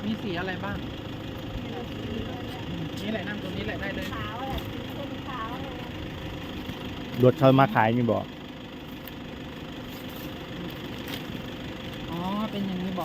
มีสีอะไรบ้างนี่แหละนั่งตรงนี้แหละได้เลยขาวอะไรเป็นขาวเลยรถเขามาขายนี่บอกอ๋อเป็นอย่างนี้บอก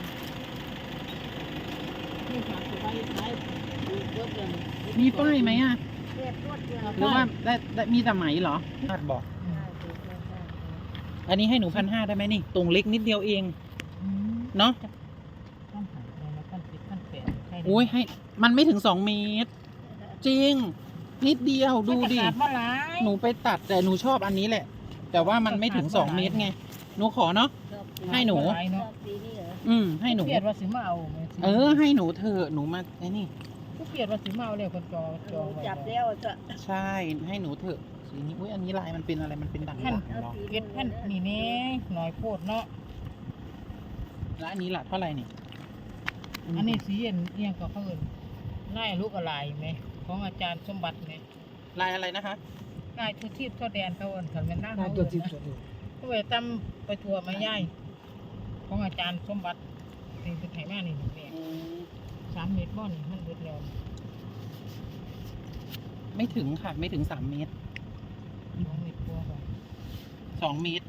นี่ฝากไว้ใช้รถยนต์มีป้ายไหมอ่ะเรียบรวดเดียวหรือว่าได้มีแต่ไหมเหรอคาดบอก อันนี้ให้หนู1,500ได้ไหมนี่ตรงเล็กนิดเดียวเองเนาะต้องหาอะไรนะขั้น10ขั้น8ใครได้โอ้ยให้มันไม่ถึง2 เมตร จริง นิดเดียวดูดิมันจะขามาหลายหนูไปตัดแต่หนูชอบอันนี้แหละ แต่ว่ามันไม่ถึง2 เมตรไงหนูขอเนาะ ให้หนูลายชอเนาะบสีนี้เหรอให้หนูเปลี่ยนว่าสิมาเอาไหมสิให้หนูเถอะหนูมาไอ้นี่กูเปลี่ยนว่าสิมาเอาเลยคนจองไว้จับแล้วจะใช่ให้หนูเถอะสีนี้อุ้ยอันนี้ลายมันเป็นอะไรมันเป็นด่างๆเหรอเก็ดพันนี่นี่หน่อยโพดเนาะแล้วอันนี้ล่ะเท่าไหร่นี่อันนี้สีเอียงก็เขาเอิ้นลายลูกอะไรไหมของอาจารย์สมบัติไหมลายอะไรนะคะลายทุทีบทั่วแดนเขาเอิ้นขันเป็นหน้าเขาเอิ้นนะเขาไปตำไปทัวร์มาย่ายของอาจารย์สมบัตินี่เป็นไถมานี่แดง3 เมตรบ่นี่มันเบิดแล้วไม่ถึงค่ะไม่ถึง3 เมตร 2 เมตรกว่าบ่ 2 เมตร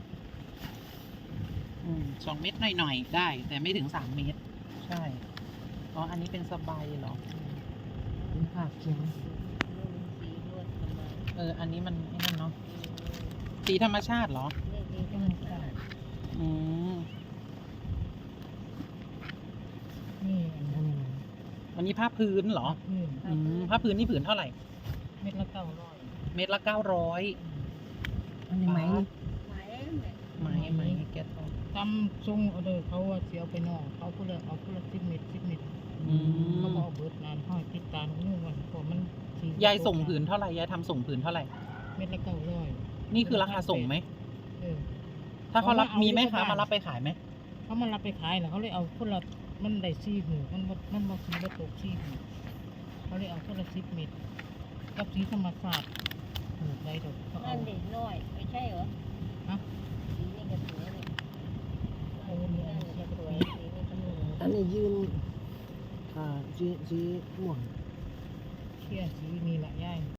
2 เมตรหน่อยๆได้ แต่ไม่ถึง3 เมตร ใช่อ๋ออันนี้เป็นสบายเหรอเป็นภาพเขียนสีรวดประมาณอันนี้มันไอ้นั่นเนาะสีธรรมชาติเหรอนี่สีธรรมชาติอืมนี่อันนี้อันนี้ผ้าพื้นเหรอพื้นผ้าพื้นนี่ผืนเท่าไหร่เม็ดละ900 เมตรละ900 อันนี้ไหมไหมไม้แก๊สตำซุงเอาเด้อเขาว่าสิเอาไปนอกเขาผู้ละเอาผู้ละ10 เมตร10 เมตรอืเขามบอกเอาเบิดนานห้อยติดตามนู่นวันเพราะมันสียายส่งผืนเท่าไหร่ยายทำส่งผืนเท่าไหร่เม็ดละ900 นี่คือราคาส่งไหมเออถ้าเขารับเอามีมีไหมเอาคะมามารับไปขายไหมเขามารับไปขายน่ะเขาเลยเอาคนละมันได้4หูมันบ่สีบ่ตก4หูเขาเลยเอาคนละ10 เมตรกับสีธรรมชาติหูได้ดอกเขาเอานั่นเด็กน้อยไม่ใช่เหรอฮะสีนี่ก็สวยเลยเอาอันนี้อันนี้สสววย ยสีนี่ก็สวยอันนี้ยืนสีม่วงเชี่ยสีนี่แหละยาย